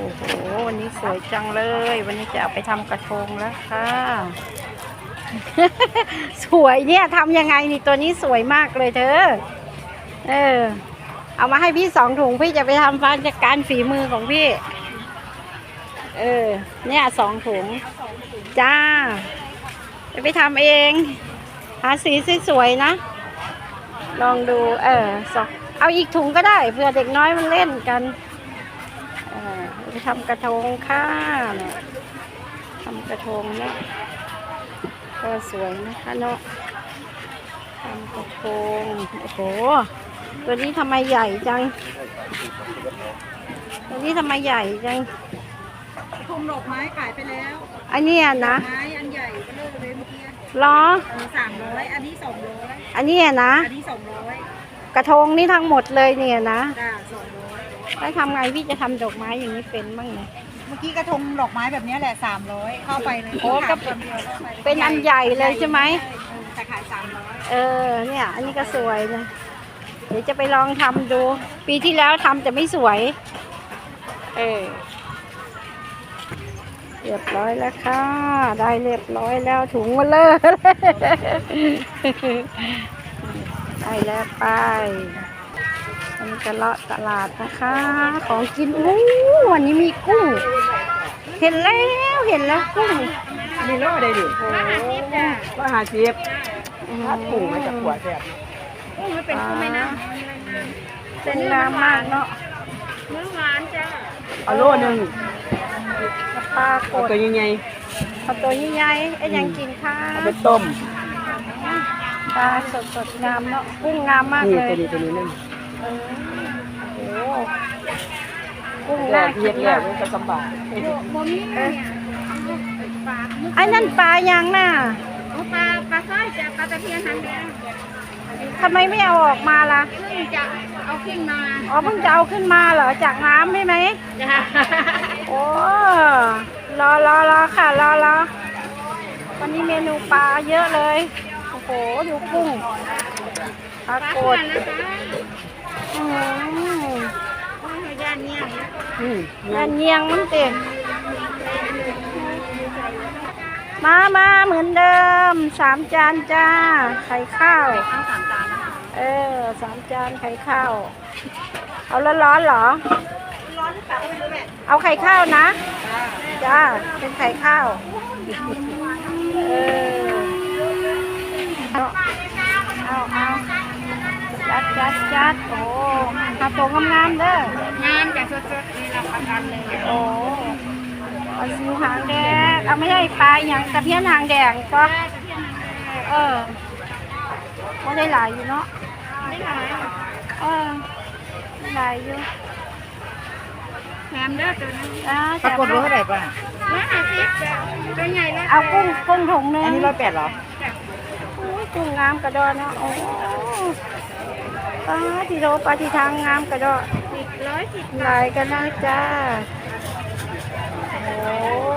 โอ้โหวันนี้สวยจังเลย วันนี้จะเอาไปทำกระทงแล้วค่ะ สวยเนี่ยทำยังไงนี่ตัวนี้สวยมากเลยเธอเอามาให้พี่2 ถุงพี่จะไปทำฟันจากการฝีมือของพี่เนี่ย2 ถุงจ้าไปทำเองหาสีสวยๆนะลองดูเอาอีกถุงก็ได้เผื่อเด็กน้อยมันเล่นกันไปทำกระทงค่ะเนี่ยทำกระทงเนี่ยก็สวยนะคะเนาะทำกระทงโอ้โหตัวนี้ทำไมใหญ่จังตัวนี้ทำไมใหญ่จังกระทงดอกไม้ขายไปแล้วอันนี้นะไม้อันใหญ่ก็เลยเมื่อกี้ล้อ 300อันนี้200 อันนี้นะอันนี้200 กระทงนี่ทั้งหมดเลยเนี่ยนะจ้า200 แล้วทำไงพี่จะทำดอกไม้อย่างนี้เป็นบ้างเนี่ยเมื่อกี้กระทงดอกไม้แบบนี้แหละ300เข้าไปเลยโอ้ก็เป็นอันใหญ่เลยใช่ไหมแต่ขาย300 เนี่ยอันนี้ก็สวยนะเดี๋ยวจะไปลองทำดูปีที่แล้วทำแต่ไม่สวยเรียบร้อยแล้วค่ะได้เรียบร้อยแล้วถุงมาเลยได้แล้วไปอันนี้จะเลาะตลาดนะคะของกินวันนี้มีกุ้งเห็นแล้วกุ้งมีโลได้ดิ150ถ้าถุงมันจะขวดแซ่บมันเป็นกุ้งไหมนะเป็นงามมากเนาะเนื้อหวานจ้าเอาโลนึงปลากดตัวใหญ่เอาตัวใหญ่ๆยังกินข้าวเอาไปต้มปลาสดงามเนาะกุ้งงามมากเลยตัวนี้นั่นโอ้กุ้งน่ากินมากมันก็สบายไอ้นั่นปลายังน่ะปลาสร้อยจ้ะปลาตะเพียนหางแดงทำไมไม่เอาออกมาล่ะเพิ่งจะเอาขึ้นมาเพิ่งจะเอาขึ้นมาเหรอจากน้ำใช่ไหมโอ้รอค่ะรอวันนี้เมนูปลาเยอะเลยโอ้โหดูกุ้งปลากดย่านเนียงมันเต็มมาเหมือนเดิม3 จานจ้าไข่ข้าว 3 จาน 3 จานไข่ข้าวเอาร้อนเหรอร้อนหรือเปล่าไม่รู้แหละเอาไข่ข้าวนะจ้าเป็นไข่ข้าวเอาจัดโอ้ทาโตงามเด้องามแต่สดๆนี่รับประกันเลยโอ้เอาซิวหางแดงเอาไม่ใช่ปลาอย่างตะเพียนหางแดงก็ก็ได้หลายอยู่เนาะได้หลายได้หลายอยู่แหนมเด้อตัวนี้ปรากฏว่าเท่าไหร่ป่ะ 150ตัวใหญ่แล้วเอากุ้งถุงนึงอันนี้180เหรอกุ้งงามกระดอนเนาะโอ้ปลาที่โรปลาที่ทางงามกระดอน 110 หลายกันนะจ้าโอ้